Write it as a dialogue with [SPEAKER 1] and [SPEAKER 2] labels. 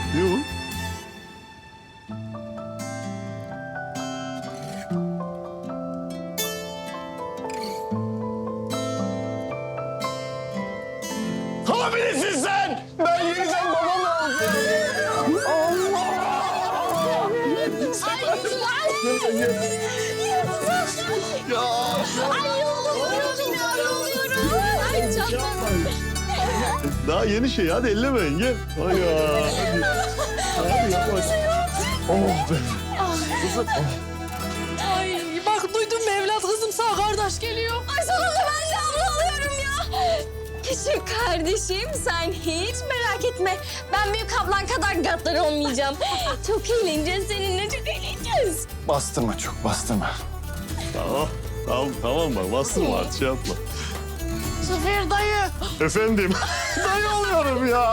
[SPEAKER 1] Ne o? Hamilesiz sen! Ben yeniden babam oldum. Ya.
[SPEAKER 2] Ay oluyorum ya, oluyorum. Ay canım.
[SPEAKER 1] Daha yeni şey. Hadi ellemeyin. Gel. Ay ya. Hadi yavaş. Oh be. Kızım.
[SPEAKER 3] Ay bak duydun mu evlat kızım sağ kardeş geliyor.
[SPEAKER 2] Ay sonunda ben de abla oluyorum ya. Küçük kardeşim sen hiç merak etme. Ben büyük ablan kadar gaddar olmayacağım. Çok eğleneceğiz seninle, çok eğleneceğiz.
[SPEAKER 4] Bastırma çok, bastırma.
[SPEAKER 1] Tamam bak. Bastırma artık şey yapma.
[SPEAKER 3] Zafer dayı.
[SPEAKER 1] Efendim. Dayı oluyorum ya.